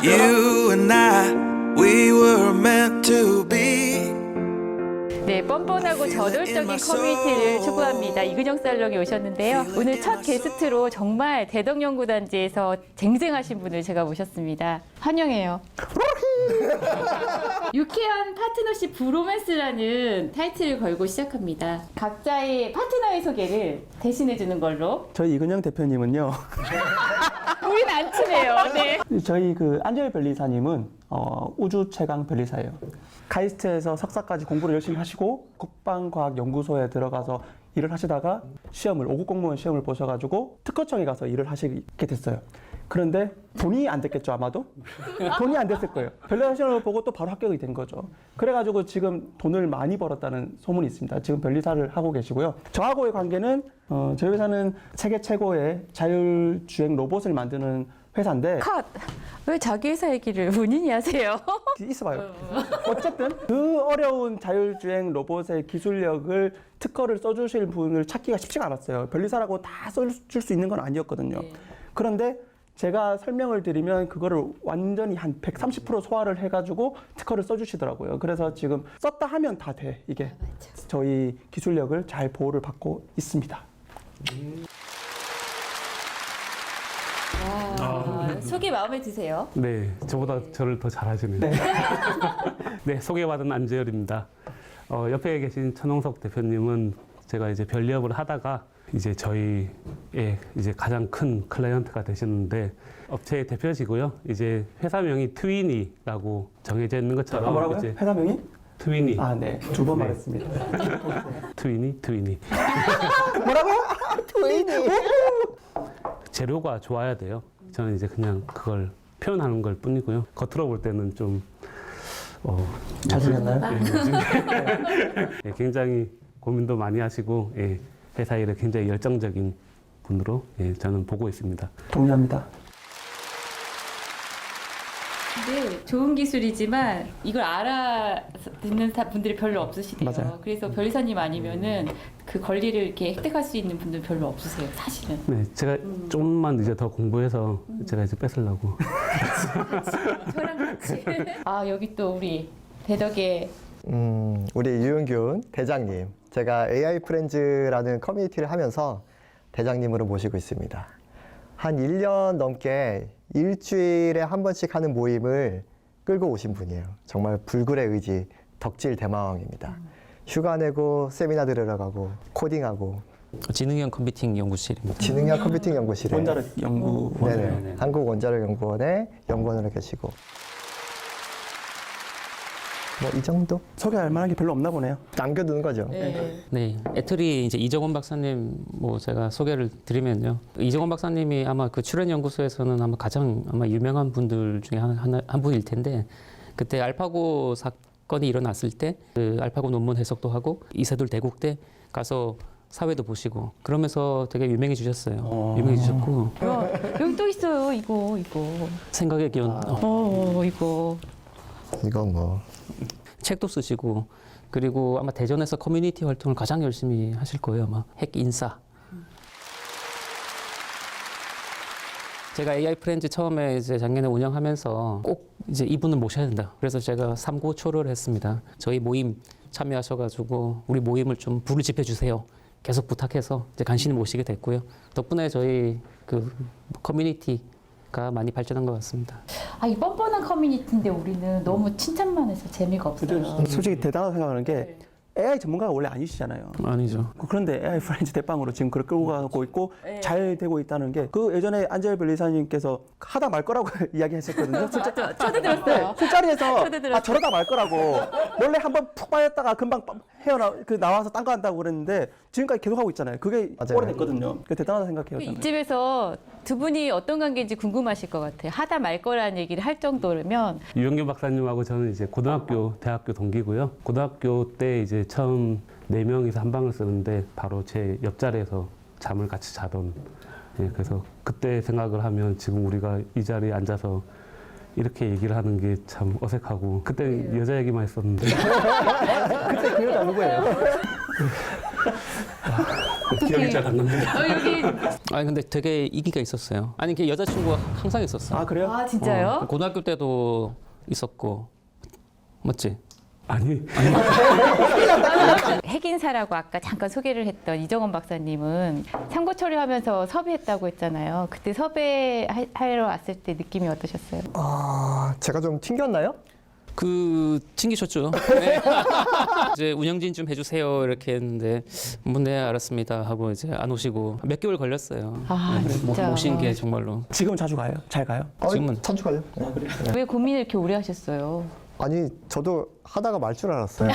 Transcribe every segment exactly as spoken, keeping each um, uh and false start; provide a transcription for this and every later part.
You and I, we were meant to be. 네, 뻔뻔하고 저돌적인 커뮤니티를 추구합니다. 이근영 살롱이 오셨는데요. 오늘 첫 게스트로 정말 대덕연구단지에서 쟁쟁하신 분을 제가 모셨습니다. 환영해요. 유쾌한 파트너십 브로맨스라는 타이틀을 걸고 시작합니다. 각자의 파트너의 소개를 대신해주는 걸로. 저희 이근영 대표님은요. 우린 안 친해요. 네. 저희 그 안젤 변리사님은 어, 우주 최강 변리사예요. 카이스트에서 석사까지 공부를 열심히 하시고 국방과학연구소에 들어가서 일을 하시다가 시험을 오급 공무원 시험을 보셔가지고 특허청에 가서 일을 하시게 됐어요. 그런데 돈이 안 됐겠죠, 아마도? 돈이 안 됐을 거예요. 변리사 시험을 보고 또 바로 합격이 된 거죠. 그래가지고 지금 돈을 많이 벌었다는 소문이 있습니다. 지금 변리사를 하고 계시고요. 저하고의 관계는 어, 저희 회사는 세계 최고의 자율주행 로봇을 만드는 회사인데 컷! 왜 자기 회사 얘기를 본인이 하세요? 있어봐요. 어쨌든 그 어려운 자율주행 로봇의 기술력을 특허를 써주실 분을 찾기가 쉽지가 않았어요. 변리사라고 다 써줄 수 있는 건 아니었거든요. 네. 그런데 제가 설명을 드리면 그거를 완전히 한 백삼십 퍼센트 소화를 해가지고 특허를 써주시더라고요. 그래서 지금 썼다 하면 다 돼. 이게 저희 기술력을 잘 보호를 받고 있습니다. 아, 소개 마음에 드세요? 네, 저보다 저를 더 잘하시네요. 네, 네 소개받은 안재열입니다. 어, 옆에 계신 천홍석 대표님은 제가 이제 별리업을 하다가 이제 저희의 이제 가장 큰 클라이언트가 되셨는데 업체의 대표시고요. 이제 회사명이 트위니라고 정해져 있는 것처럼 아, 뭐라고요? 이제 회사명이? 트위니. 아, 네. 두 번 네. 말했습니다. 트위니, 트위니. 뭐라고요? 트위니. 재료가 좋아야 돼요. 저는 이제 그냥 그걸 표현하는 걸 뿐이고요. 겉으로 볼 때는 좀 어, 잘생겼나요? 예, 굉장히 고민도 많이 하시고 예, 회사 일에 굉장히 열정적인 분으로 예, 저는 보고 있습니다. 동의합니다. 네, 좋은 기술이지만 이걸 알아듣는 사- 분들이 별로 없으시대요. 맞아요. 그래서 변리사님 아니면은 그 권리를 이렇게 획득할 수 있는 분들 별로 없으세요, 사실은. 네, 제가 조금만 이제 더 공부해서 제가 이제 뺏으려고. 저랑 같이. 아, 여기 또 우리 대덕의 음, 우리 유은균 대장님, 제가 에이아이 프렌즈라는 커뮤니티를 하면서 대장님으로 모시고 있습니다. 한 일 년 넘게 일주일에 한 번씩 하는 모임을 끌고 오신 분이에요. 정말 불굴의 의지, 덕질 대마왕입니다. 휴가 내고 세미나 들으러 가고 코딩하고 지능형 컴퓨팅 연구실입니다. 지능형 컴퓨팅 연구실에 원자력 연구원. 네네, 한국원자력연구원의 연구원으로 계시고 뭐 이 정도? 소개할 만한 게 별로 없나 보네요. 남겨두는 거죠. 네. 네, 애틀이 이제 이정원 박사님 뭐 제가 소개를 드리면요. 이정원 박사님이 아마 그 출연 연구소에서는 아마 가장 아마 유명한 분들 중에 한, 한, 한 분일 텐데 그때 알파고 사건이 일어났을 때 그 알파고 논문 해석도 하고 이세돌 대국대 가서 사회도 보시고 그러면서 되게 유명해지셨어요. 어. 유명해지셨고 야, 여기 또 있어요, 이거, 이거. 생각의 기원 어, 어, 이거. 이거 뭐 책도 쓰시고 그리고 아마 대전에서 커뮤니티 활동을 가장 열심히 하실 거예요. 아마 핵 인싸. 제가 에이아이 프렌즈 처음에 이제 작년에 운영하면서 꼭 이제 이분을 모셔야 된다. 그래서 제가 삼고초려를 했습니다. 저희 모임 참여하셔가지고 우리 모임을 좀 불을 지펴 주세요. 계속 부탁해서 이제 간신히 모시게 됐고요. 덕분에 저희 그 커뮤니티가 많이 발전한 것 같습니다. 아, 이 뻔뻔한 커뮤니티인데 우리는 너무 칭찬만 해서 재미가 없어요. 솔직히 대단하다고 생각하는 게 에이아이 전문가가 원래 아니시잖아요. 아니죠. 그런데 에이아이 프렌즈 대빵으로 지금 그걸 끌고 가고 있고 네. 잘 되고 있다는 게 그 예전에 안젤 변리사님께서 하다 말 거라고 이야기하셨거든요. 술자, 저도 들었어요. 네, 술자리에서 저도 들었어요. 아 저러다 말 거라고 원래 한번 푹 빠졌다가 금방 헤어나 그 나와서 딴 거 한다고 그랬는데 지금까지 계속 하고 있잖아요. 그게 맞아요. 오래됐거든요. 그 대단하다 생각해요. 저는. 이집에서 두 분이 어떤 관계인지 궁금하실 것 같아요. 하다 말 거라는 얘기를 할 정도면 유영규 박사님하고 저는 이제 고등학교, 대학교 동기고요. 고등학교 때 이제 처음 네 명이서 한 방을 쓰는데 바로 제 옆자리에서 잠을 같이 자던. 예, 그래서 그때 생각을 하면 지금 우리가 이 자리에 앉아서 이렇게 얘기를 하는 게 참 어색하고 그때 여자 얘기만 했었는데 그때 그 여자 누구예요? 기억이 잘 안 납니다. 어, 여기 아니 근데 되게 인기가 있었어요. 아니 그 여자친구가 항상 있었어. 아 그래요? 아 진짜요? 어, 고등학교 때도 있었고 맞지? 아니, 핵인사라고 아까 잠깐 소개를 했던 이정원 박사님은 참고 처리하면서 섭외했다고 했잖아요. 그때 섭외하러 왔을 때 느낌이 어떠셨어요? 아, 제가 좀 튕겼나요? 그 튕기셨죠? 네. 이제 운영진 좀 해주세요 이렇게 했는데 뭐네 알았습니다 하고 이제 안 오시고 몇 개월 걸렸어요. 아, 네, 못- 진짜. 못 오신 게 정말로. 지금 자주 가요? 잘 가요? 지금은- 자주 가요. 왜 고민을 이렇게 오래 하셨어요? 아니, 저도 하다가 말 줄 알았어요.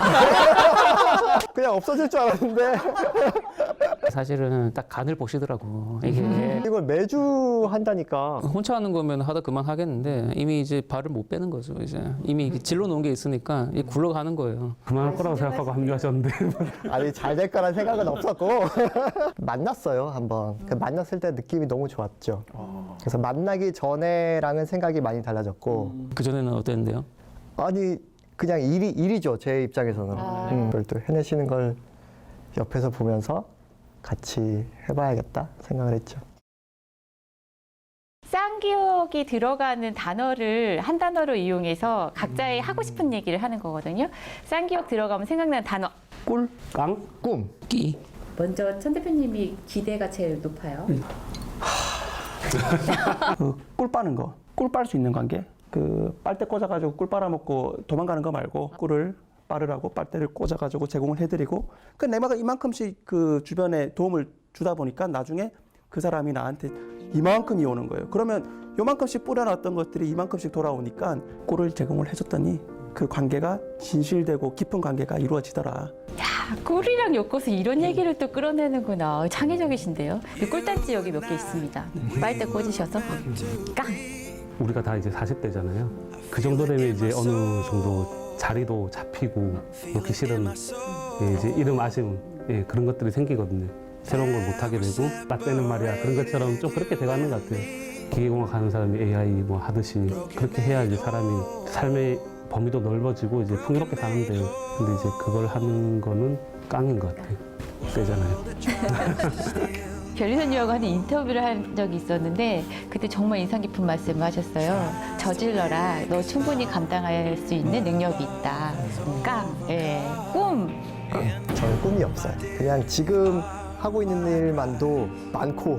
그냥 없어질 줄 알았는데 사실은 딱 간을 보시더라고. 이게 이걸 매주 한다니까. 혼자 하는 거면 하다 그만 하겠는데 이미 이제 발을 못 빼는 거죠. 이제 이미 질러 놓은 게 있으니까 이게 굴러가는 거예요. 그만할 거라고 생각하고 합류하셨는데. 아니, 잘 될 거란 생각은 없었고 만났어요, 한번. 그 만났을 때 느낌이 너무 좋았죠. 그래서 만나기 전에랑은 생각이 많이 달라졌고 그 전에는 어땠는데요? 아니, 그냥 일이 일이죠, 제 입장에서는. 아. 음, 그걸 또 해내시는 걸 옆에서 보면서 같이 해봐야겠다 생각을 했죠. 쌍기역이 들어가는 단어를 한 단어로 이용해서 각자의 하고 싶은 얘기를 하는 거거든요. 쌍기역 들어가면 생각나는 단어. 꿀? 깡? 꿈. 끼. 먼저 천 대표님이 기대가 제일 높아요. 그 꿀 빠는 거. 꿀 빨 수 있는 관계. 그 빨대 꽂아가지고 꿀 빨아먹고 도망가는 거 말고 꿀을 빠르라고 빨대를 꽂아가지고 제공을 해드리고 그 내가 이만큼씩 그 주변에 도움을 주다 보니까 나중에 그 사람이 나한테 이만큼이 오는 거예요. 그러면 요만큼씩 뿌려놨던 것들이 이만큼씩 돌아오니까 꿀을 제공을 해줬더니 그 관계가 진실되고 깊은 관계가 이루어지더라. 아, 꿀이랑 엮어서 이런 얘기를 또 끌어내는구나. 창의적이신데요. 이 꿀단지 여기 몇 개 있습니다. 빨대 꽂으셔서 깡. 우리가 다 이제 사십 대잖아요. 그 정도 되면 이제 어느 정도 자리도 잡히고 놓기 싫은 예, 이제 이름 아쉬움 예, 그런 것들이 생기거든요. 새로운 걸 못하게 되고 나 때는 말이야 그런 것처럼 좀 그렇게 돼가는 것 같아요. 기계공학 하는 사람이 에이아이 뭐 하듯이 그렇게 해야 이제 사람이 삶의 범위도 넓어지고 이제 풍요롭게 사는데 근데 이제 그걸 하는 거는 깡인 것 같아요. 세잖아요. 변리사님하고 하는 인터뷰를 한 적이 있었는데 그때 정말 인상 깊은 말씀을 하셨어요. 저질러라. 너 충분히 감당할 수 있는 능력이 있다. 깡. 예. 꿈. 저는 꿈이 없어요. 그냥 지금 하고 있는 일만도 많고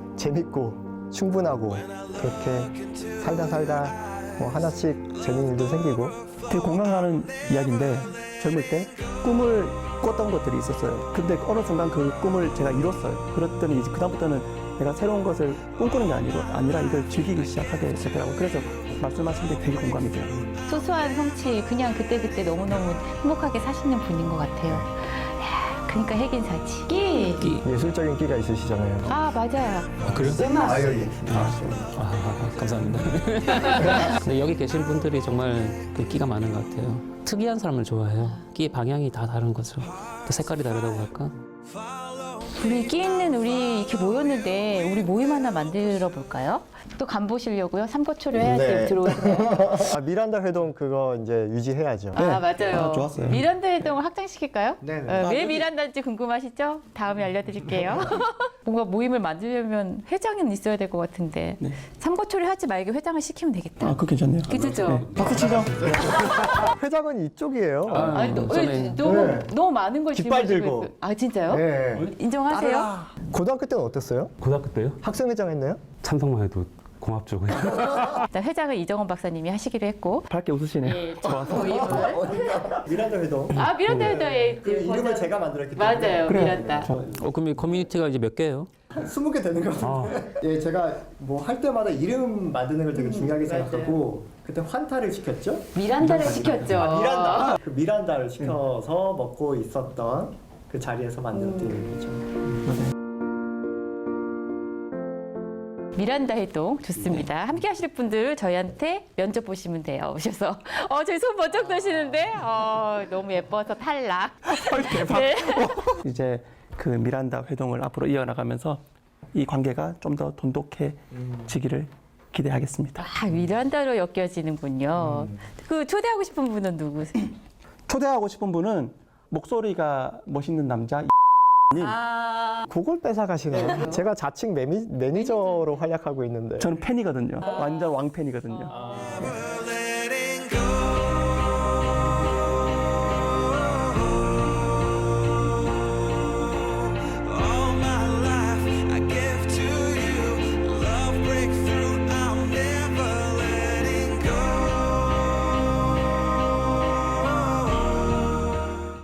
재밌고 충분하고 그렇게 살다 살다 뭐 하나씩 재밌는 일도 생기고. 되게 공감하는 이야기인데 젊을 때 꿈을 꿨던 것들이 있었어요. 근데 어느 순간 그 꿈을 제가 이뤘어요. 그랬더니 이제 그다음부터는 내가 새로운 것을 꿈꾸는 게 아니고 아니라 이걸 즐기기 시작하게 되더라고요. 그래서 말씀하신 게 되게 공감이 돼요. 소소한 성취 그냥 그때그때 너무너무 행복하게 사시는 분인 것 같아요. 야, 그러니까 핵인사지. 끼. 끼. 예술적인 끼가 있으시잖아요. 아 맞아요. 아, 그래요? 아, 여기. 아, 감사합니다. 근데 여기 계신 분들이 정말 그 끼가 많은 것 같아요. 특이한 사람을 좋아해요. 끼의 방향이 다 다른 거죠. 또 색깔이 다르다고 할까? 우리 끼 있는 우리 이렇게 모였는데 우리 모임 하나 만들어 볼까요? 또 간 보시려고요? 삼고초려 해야지 네. 들어오시네요. 아, 미란다 회동 그거 이제 유지해야죠. 아 맞아요. 아, 좋았어요. 미란다 회동을 확장시킬까요? 네, 네. 어, 아, 왜 여기- 미란다인지 궁금하시죠? 다음에 알려드릴게요. 뭔가 모임을 만들려면 회장은 있어야 될 것 같은데 네. 삼고초려 하지 말고 회장을 시키면 되겠다. 아, 그거 괜찮네요. 그죠? 네. 박수 치죠. 회장은 이쪽이에요. 아, 아니, 너, 저는- 너무 네. 너무 많은 걸 깃발 짊어지고 들고. 있어요. 아 진짜요? 네. 인정하세요? 고등학교 때는 어땠어요? 고등학교 때요? 학생회장 했나요? 참석만 해도 고맙죠. 그냥. 자, 회장은 이정원 박사님이 하시기로 했고. 밝게 웃으시네요. 예, 좋아서. 모임을. 미란다 회동. 아 미란다 회장의 그 이름을 제가 만들었기 때문에. 맞아요, 그래요. 미란다. 어, 그럼 이 커뮤니티가 이제 몇 개예요? 스무 개 되는 거 같은데. 예, 제가 뭐 할 때마다 이름 만드는 걸 되게 중요하게 생각하고 그때 환타를 시켰죠. 미란다를 시켰죠. 아, 미란다. 그 미란다를 시켜서 먹고 있었던 그 자리에서 만들었던 이름이죠. 미란다 해동 좋습니다. 함께 하실 분들 저희한테 면접 보시면 돼요. 오셔서 어 저희 손 번쩍 드시는데 어 너무 예뻐서 탈락. 대박. 네. 이제 그 미란다 회동을 앞으로 이어나가면서 이 관계가 좀 더 돈독해지기를 기대하겠습니다. 아 미란다로 엮여지는군요. 그 초대하고 싶은 분은 누구세요? 초대하고 싶은 분은 목소리가 멋있는 남자 님. 아, 그걸 뺏어가시네요. 제가 자칭 매니, 매니저로 활약하고 있는데. 저는 팬이거든요. 완전 왕팬이거든요. 아.